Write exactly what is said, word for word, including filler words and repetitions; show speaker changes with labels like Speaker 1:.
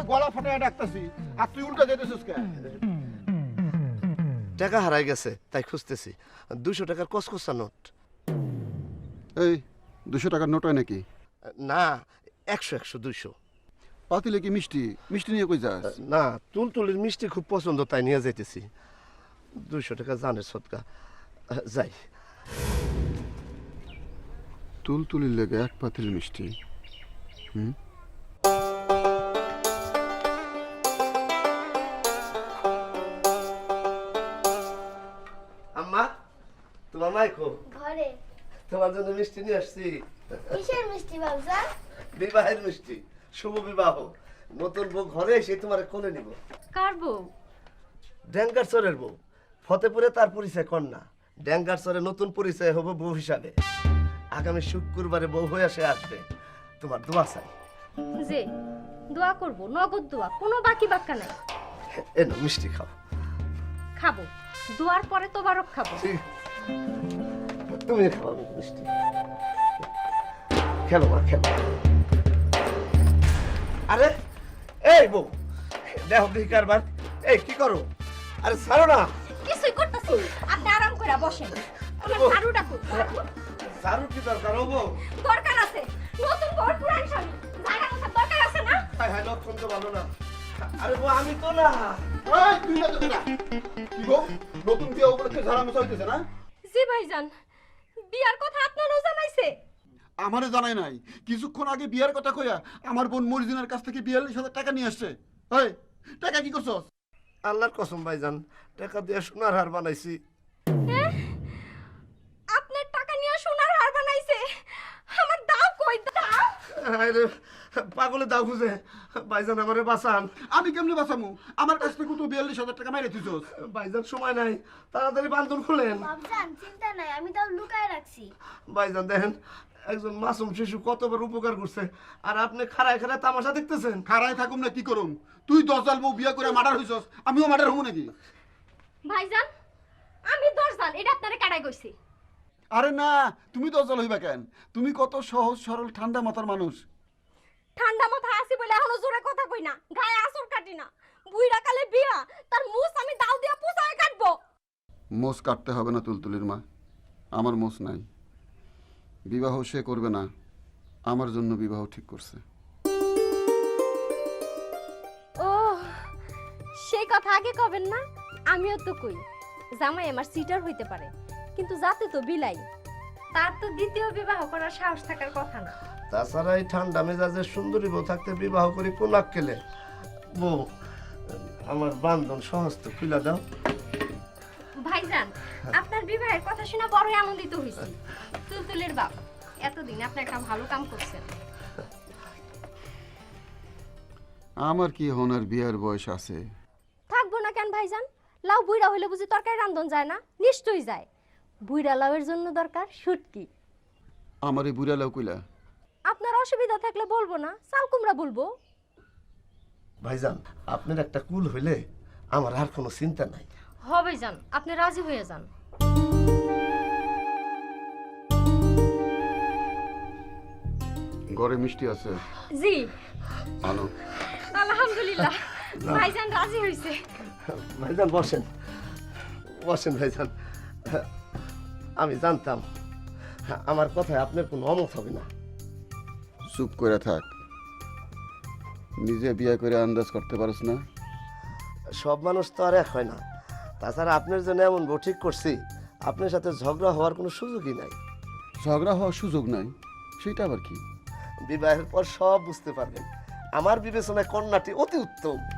Speaker 1: গলা ফাটায় ডাকতাছি আর তুই উল্টা যেতেছিস কেন?
Speaker 2: টাকা হারাই গেছে তাই খুঁজতেছি। দুশো টাকার কসকসা নোট।
Speaker 1: এই দুশো টাকার নোট হয় নাকি?
Speaker 2: না, একশো একশো দুইশো।
Speaker 1: পাতিলে কি মিষ্টি? মিষ্টি নিয়ে কই যাস?
Speaker 2: না, তুলতুলির মিষ্টি খুব পছন্দ তাই নিয়ে যাইতেছি। দুইশো টাকা জানের সদকা। যাই।
Speaker 1: তুলতুলির লেগে এক পাতিল মিষ্টি। হুম,
Speaker 2: আম্মা, তোমার মাইকো
Speaker 3: ঘরে।
Speaker 2: তোমার জন্য মিষ্টি নিয়ে আসছি।
Speaker 3: কিসের মিষ্টি বাবজা?
Speaker 2: বিবাহের মিষ্টি, শুভ বিবাহ। নতুন বউ ঘরে এসে তোমার কোলে নিব।
Speaker 3: কার বউ?
Speaker 2: ড্যাঙ্গার চরের বউ। ফতেপুরে তার পরিচয় কন্যা, ড্যাঙ্গার চরে নতুন পরিচয় হবে বউ হিসাবে। আগামী শুক্রবারে বউ হয়ে সে আসবে। তোমার দোয়া চাই।
Speaker 3: যে দোয়া করব, নগদ দোয়া, কোনো বাকি বাক্কা নাই।
Speaker 2: এনো মিষ্টি খাও।
Speaker 3: খাবো, দোয়ার পরে তোবারক খাবো।
Speaker 2: ঠিক, তুমি খাও মিষ্টি। খেলো মা, খেলো। আরে এই বউ, দেখো কি কারবার। এই কি করো? আরে ছাড়ো না।
Speaker 3: কিছুই করতেছি, আপনি আরাম করে বসেন। আমার ঝাড়ুটা কই?
Speaker 2: ঝাড়ু কি দরকার হবো?
Speaker 3: দরকার আছে, নতুন বর পুরান স্বামী, ঝাড়া মোছা দরকার আছে না?
Speaker 2: হায় হায়, লক্ষণ তো ভালো না। আরে বউ, আমি তো না।
Speaker 1: এই তুই না তো না। কি গো, নতুন বিয়ে উপলক্ষে ঝাড়া মোছা হইতেছে না?
Speaker 3: জি ভাইজান, বিয়ার কথা আপনারও জানাইছে?
Speaker 1: আমারে জানাই নাই। কিছুক্ষণ আগে বিয়ের কথা কইয়া আমার বোন মরিজিনার কাছ থেকে বিয়াল্লিশ হাজার টাকা নিয়ে আসছে। এই টাকা কি করছস?
Speaker 2: আল্লাহর কসম ভাইজান, টাকা দিয়ে সোনার হার বানাইছি।
Speaker 3: আপনার টাকা নিয়ে সোনার হার বানাইছে? আমার দাও কই, দাও।
Speaker 2: আরে পাগলে দাও খুঁজে। ভাইজান আমারে বাঁচান।
Speaker 1: আমি কেমনে বাঁচামু? আমার কাছ থেকে তো বিয়াল্লিশ হাজার টাকা মাইরে দিছস।
Speaker 2: ভাইজান সময় নাই, তাড়াতাড়ি বান্ধন খুলেন।
Speaker 3: বাবজান চিন্তা নাই, আমি তাও লুকায় রাখছি।
Speaker 2: ভাইজান দেখেন, একজন মাসুম শিশু কতবার উপকার করছে, আর আপনি খাড়ায় খাড়ায় তামাশা দেখতেছেন।
Speaker 1: খাড়ায় থাকুম না কি করুম? তুই দশজাল বউ বিয়া করে মার্ডার হইছস, আমিও মার্ডার হবো নাকি?
Speaker 3: ভাইজান আমি দশজাল, এটা আপনারে কাটাই কইছি।
Speaker 1: আরে না, তুমি দশজাল হইবা কেন? তুমি কত সহজ সরল ঠান্ডা মাথার মানুষ।
Speaker 3: ঠান্ডা মাথা আছি বলে এখনো জোরে কথা কই না, গায়ে আসর কাটি না। বুইড়া কালে বিয়া, তার মুছ আমি দাও দিয়া পুষায় কাটবো।
Speaker 1: মোষ কাটতে হবে না তুলতুলির মা, আমার মোষ নাই। বিবাহ সে করবে না, আমার জন্য বিবাহ ঠিক করছে।
Speaker 3: ও সেই কথা আগে কবেন না? আমিও তো কই জামাই আমার সিটার হইতে পারে, কিন্তু যাতে তো বিলাই, তার তো দ্বিতীয় বিবাহ করার সাহস থাকার কথা না।
Speaker 2: তাছাড়া এই ঠান্ডা মেজাজে সুন্দরী বউ থাকতে বিবাহ করি কোন আক্কেলে? বউ, আমার বান্ধন সমস্ত খুলে দাও।
Speaker 3: ভাইজান আপনার বিবাহের কথা শুনে বড়ই আনন্দিত হইছি। তুলতুলের বাপ, এতদিন আপনি একটা ভালো কাম করছেন।
Speaker 1: আমার কি হনার বিয়ার বয়স আছে?
Speaker 3: থাকবো না কেন ভাইজান? লাউ বুইড়া হইলে বুঝি তরকারি রান্ধন যায় না? নিশ্চয়ই যায়। বুইড়া লাউয়ের জন্য দরকার শুটকি।
Speaker 1: আমার এই বুড়া লাউ কইলা?
Speaker 3: আপনার অসুবিধা থাকলে বলবো না, চাল কুমড়া বলবো।
Speaker 2: ভাইজান, আপনার একটা কুল হইলে আমার আর কোনো চিন্তা নাই।
Speaker 3: হবে যান, আপনি রাজি হয়ে যান।
Speaker 1: ঘরে মিষ্টি আছে?
Speaker 3: জি
Speaker 1: আনো।
Speaker 3: আলহামদুলিল্লাহ, ভাইজান রাজি হইছে।
Speaker 2: ভাইজান বসেন, বসেন ভাইজান। আমি জানতাম আমার কথায় আপনার কোনো অমত হবে না।
Speaker 1: চুপ করে থাক। নিজে বিয়ে করে আন্দাজ করতে পারছ না?
Speaker 2: সব মানুষ তো আর এক হয় না। তাছাড়া আপনার জন্য এমন বউ ঠিক করছি, আপনার সাথে ঝগড়া হওয়ার কোনো সুযোগই নাই।
Speaker 1: ঝগড়া হওয়ার সুযোগ নাই? সেটা আবার কি?
Speaker 2: বিবাহের পর সব বুঝতে পারবেন। আমার বিবেচনায় কন্যাটি অতি উত্তম।